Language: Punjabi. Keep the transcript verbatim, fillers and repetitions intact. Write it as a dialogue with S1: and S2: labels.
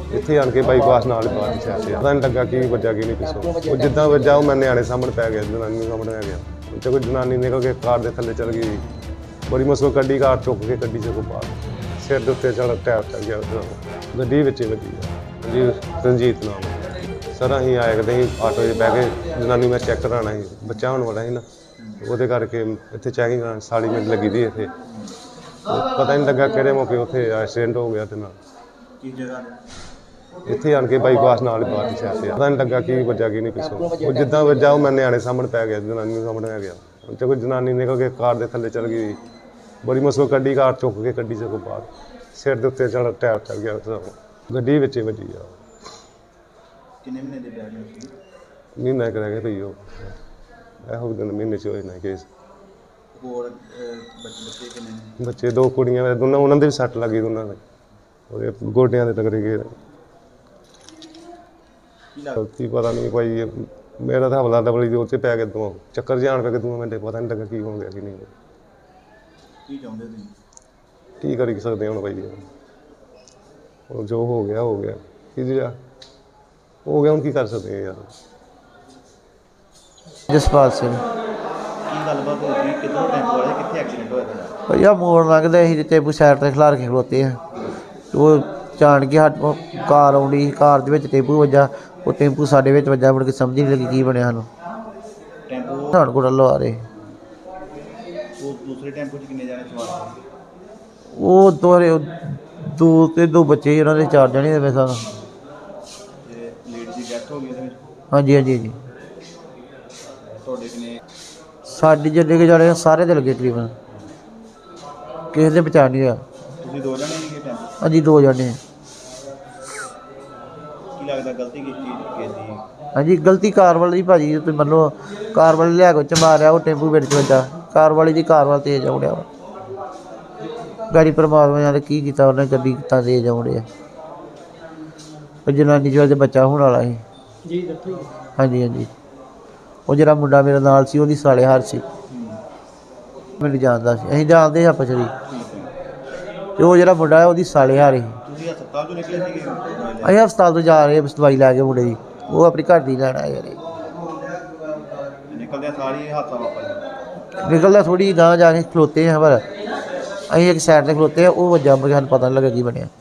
S1: ਇੱਥੇ ਆਣ ਕੇ ਬਾਈਪਾਸ ਨਾਲ ਬਾਹਰ ਦੀ ਸਾਈਡ ਤੇ ਪਤਾ ਨਹੀਂ ਲੱਗਾ ਕੀ ਵੱਜਾ ਕੀ ਨਹੀਂ ਪਿੱਛੋਂ। ਉਹ ਜਿੱਦਾਂ ਵੱਜਾ ਉਹ ਮੈਂ ਨਿਆਣੇ ਸਾਹਮਣੇ ਪੈ ਗਿਆ, ਜਨਾਨੀ ਸਾਹਮਣੇ ਆ ਗਿਆ। ਉੱਥੇ ਕੋਈ ਜਨਾਨੀ ਨਿਕਲ ਕੇ ਕਾਰ ਦੇ ਥੱਲੇ ਚਲ ਗਈ, ਬੜੀ ਮੁਸ਼ਕਲ ਕੱਢੀ, ਕਾਰ ਚੁੱਕ ਕੇ ਕੱਢੀ ਸਗੋਂ ਬਾਹਰ, ਸਿਰ ਦੇ ਉੱਤੇ ਚੜ ਟਾਇਰ ਚੱਲ ਗਿਆ, ਗੱਡੀ ਵਿੱਚ ਵੱਜੀ ਆ ਜੀ। ਰਣਜੀਤ ਨਾਮ ਸਰ। ਅਸੀਂ ਆਏ ਕਦੇ ਅਸੀਂ ਆਟੋ 'ਚ ਬਹਿ ਕੇ, ਜਨਾਨੀ ਮੈਂ ਚੈੱਕ ਕਰਾਉਣਾ ਸੀ, ਬੱਚਾ ਹੋਣ ਵਾਲਾ ਸੀ ਨਾ, ਉਹਦੇ ਕਰਕੇ ਇੱਥੇ ਚੈਕਿੰਗ ਕਰਾਉਣ ਸਾਲੀ ਮਿੰਟ ਲੱਗੀ ਦੀ ਇੱਥੇ। ਪਤਾ ਨਹੀਂ ਲੱਗਾ ਕਿਹੜੇ ਮੌਕੇ ਉੱਥੇ ਐਕਸੀਡੈਂਟ ਹੋ ਗਿਆ ਤੇ ਨਾਲ
S2: ਕੀ ਜਗ੍ਹਾ
S1: ਇੱਥੇ ਆਣ ਕੇ ਬਾਈਪਾਸ ਨਾਲ ਬਾਹਰ ਦੀ ਸਾਈਡ ਤੇ ਪਤਾ ਨਹੀਂ ਲੱਗਾ ਕੀ ਵੱਜਾ ਕੀ ਨਹੀਂ ਪਿੱਛੋਂ। ਉਹ ਜਿੱਦਾਂ ਵੱਜਾ ਉਹ ਮੈਂ ਨਿਆਣੇ ਸਾਹਮਣੇ ਪੈ ਗਿਆ, ਜਨਾਨੀ ਸਾਹਮਣੇ ਆ ਗਿਆ। ਉੱਥੇ ਕੋਈ ਜਨਾਨੀ ਨਿਕਲ ਕੇ ਕਾਰ ਦੇ ਥੱਲੇ ਚਲ ਗਈ, ਬੜੀ ਮੁਸ਼ਕਲ ਕੱਢੀ, ਕਾਰ ਚੁੱਕ ਕੇ ਕੱਢੀ ਸਗੋਂ ਬਾਹਰ, ਸਿਰ ਦੇ ਉੱਤੇ ਚੜ ਟਾਇਰ ਚੱਲ ਗਿਆ, ਗੱਡੀ ਵਿੱਚ ਵੱਜੀ ਆ।
S2: ਕਿੰਨੇ ਮਹੀਨੇ ਦੇ ਬੈਠ ਸੀ?
S1: ਮਹੀਨਾ ਇੱਕ ਰਹਿ ਗਿਆ ਭਈ, ਉਹ ਇਹੋ ਦਿਨ ਮਹੀਨੇ 'ਚ ਹੋਏ ਨਾ ਕੇਸ।
S2: ਹੋਰ ਬੱਚੇ ਬੱਚੇ ਕਿੰਨੇ ਨੇ?
S1: ਬੱਚੇ ਦੋ ਕੁੜੀਆਂ, ਦੋਨਾਂ ਉਹਨਾਂ ਦੇ ਵੀ ਸੱਟ ਲੱਗੀ, ਦੋਨਾਂ ਦੇ ਉਹਦੇ ਗੋਡਿਆਂ ਦੇ ਟਕਰੇ ਗਏ।
S2: ਕੀ ਲੱਗ
S1: ਗਲਤੀ ਪਤਾ ਨਹੀਂ ਭਾਈ, ਮੇਰਾ ਤਾਂ ਹਮਲਾ ਡਬਲੀ ਦੇ ਉੱਤੇ ਪੈ ਗਿਆ, ਦੋ ਚੱਕਰ ਜਾਣ ਪੈ ਕੇ ਦੋ ਮਿੰਟੇ ਪਤਾ ਨਹੀਂ ਲੱਗਾ ਕੀ ਹੋ ਗਿਆ ਕੀ ਨਹੀਂ।
S2: ਕੀ ਚਾਹੁੰਦੇ ਤੁਸੀਂ?
S1: ਕੀ ਕਰ ਸਕਦੇ ਹੁਣ ਭਾਈ, ਉਹ ਜੋ ਹੋ ਗਿਆ ਹੋ ਗਿਆ, ਕੀ ਜਿਹੜਾ ਹੋ ਗਿਆ ਹੁਣ ਕੀ ਕਰ ਸਕਦੇ ਹਾਂ ਯਾਰ।
S3: ਜਸਪਾਲ ਸਿੰਘ
S2: ਕੀ ਗੱਲਬਾਤ ਹੋ ਗਈ? ਕਿੱਧਰੋਂ ਟੈਂਪੋ ਵਾਲੇ ਕਿੱਥੇ ਐਕਸੀਡੈਂਟ ਹੋਇਆ ਤੁਹਾਡਾ?
S3: ਭਈਆ ਮੋੜ ਲੰਘਦੇ ਸੀ ਟੇਬੂ ਸਾਈਡ ਤੇ ਖਿਲਾਰ ਕੇ ਖਲੋਤੇ ਆ, ਉਹ ਜਾਣ ਕੇ ਹੱਟ ਕਾਰ ਆਉਂਦੀ, ਕਾਰ ਦੇ ਵਿੱਚ ਟੇਬੂ ਵੱਜਾ, ਉਹ ਟੈਂਪੂ ਸਾਡੇ ਵਿੱਚ ਵੱਜਾ, ਮੁੜ ਕੇ ਸਮਝ ਨਹੀਂ ਲੱਗੀ ਕੀ ਬਣਿਆ ਸਾਨੂੰ।
S2: ਟੈਂਪੋ
S3: ਪਠਾਨਕੋਟ ਵੱਲੋਂ ਆ ਰਹੇ,
S2: ਉਹ ਦੂਸਰੇ ਟੈਂਪੋ 'ਚ ਕਿੰਨੇ ਜਾਣੇ ਸਵਾਰ ਸੀ?
S3: ਉਹ ਦੋਰੇ ਦੋ ਤੇ ਦੋ ਬੱਚੇ ਸੀ, ਉਹਨਾਂ ਦੇ ਚਾਰ ਜਣੇ ਦੇ ਸਾਨੂੰ।
S2: ਤੇ ਲੇਡੀ ਦੀ ਡੈਥ ਹੋ ਗਈ ਉਹਦੇ ਵਿੱਚ?
S3: ਹਾਂਜੀ ਹਾਂਜੀ ਹਾਂਜੀ।
S2: ਤੁਹਾਡੇ ਕਿੰਨੇ?
S3: ਸਾਡੀ ਜਿੰਨੇ ਕੁ ਜਾਣੇ ਸਾਰੇ ਦੇ ਲੱਗੇ ਤਕਰੀਬਨ, ਕਿਸੇ ਦੇ ਬਚਾ ਨਹੀਂ ਰਿਹਾ।
S2: ਤੁਸੀਂ ਦੋ ਜਣੇ ਸੀਗੇ ਟੈਂਪੋ?
S3: ਹਾਂਜੀ ਦੋ ਜਣੇ।
S2: ਕੀ ਲੱਗਦਾ ਗਲਤੀ ਕਿਸ ਚੀਜ਼ ਦੀ ਕੀਤੀ?
S3: ਹਾਂਜੀ ਗਲਤੀ ਕਾਰ ਵਾਲੀ ਦੀ ਭਾਜੀ, ਤੁਸੀਂ ਮੰਨ ਲਓ ਕਾਰ ਵਾਲੇ ਲਿਆ ਕੇ ਚ ਮਾਰਿਆ, ਉਹ ਟੈਂਪੂ ਵਿੱਚ ਵੱਜਾ, ਕਾਰ ਵਾਲੀ ਦੀ ਕਾਰ ਵੱਲ ਤੇਜ਼ ਆਉਣਿਆ ਵਾ। ਗਾੜੀ ਪਰਮਾਤਮਾ ਨੇ ਕੀ ਕੀਤਾ, ਉਹਨੇ ਗੱਡੀ ਕਿੱਦਾਂ ਤੇਜ਼ ਆਉਣਿਆ। ਉਹ ਜਨਾਨੀ ਜੋ ਬੱਚਾ ਹੋਣ ਵਾਲਾ ਸੀ ਜੀ। ਹਾਂਜੀ ਹਾਂਜੀ। ਉਹ ਜਿਹੜਾ ਮੁੰਡਾ ਮੇਰੇ ਨਾਲ ਸੀ, ਉਹਦੀ ਸਾਲੇ ਹਾਰ ਸੀ, ਮੈਨੂੰ ਜਾਣਦਾ ਸੀ, ਅਸੀਂ ਜਾਣਦੇ ਆਪਸ 'ਚ। ਤੇ ਉਹ ਜਿਹੜਾ ਮੁੰਡਾ ਹੈ ਉਹਦੀ ਸਾਲੇ ਹਾਰ ਸੀ।
S2: ਤੁਸੀਂ ਹਸਪਤਾਲ ਤੋਂ ਨਿਕਲੇ ਸੀਗੇ?
S3: ਅਸੀਂ ਹਸਪਤਾਲ ਤੋਂ ਜਾ ਰਹੇ ਦਵਾਈ ਲੈ ਕੇ ਮੁੰਡੇ ਦੀ, ਉਹ ਆਪਣੀ ਘਰ ਦੀ ਲੈਣ ਆਇਆ ਯਾਰ।
S2: ਨਿਕਲਦਿਆਂ ਸਾਰੀ ਇਹ ਹਾਦਸਾ ਵਾਪਰ ਗਿਆ?
S3: ਨਿਕਲਦਾ ਥੋੜੀ ਗਾਂਹ ਜਾ ਕੇ ਖਲੋਤੇ ਹਾਂ, ਪਰ ਅਸੀਂ ਇੱਕ ਸਾਈਡ ਤੇ ਖਲੋਤੇ ਆ, ਉਹ ਵੱਜਾ, ਸਾਨੂੰ ਪਤਾ ਨਹੀਂ ਲੱਗਾ ਕੀ ਬਣਿਆ।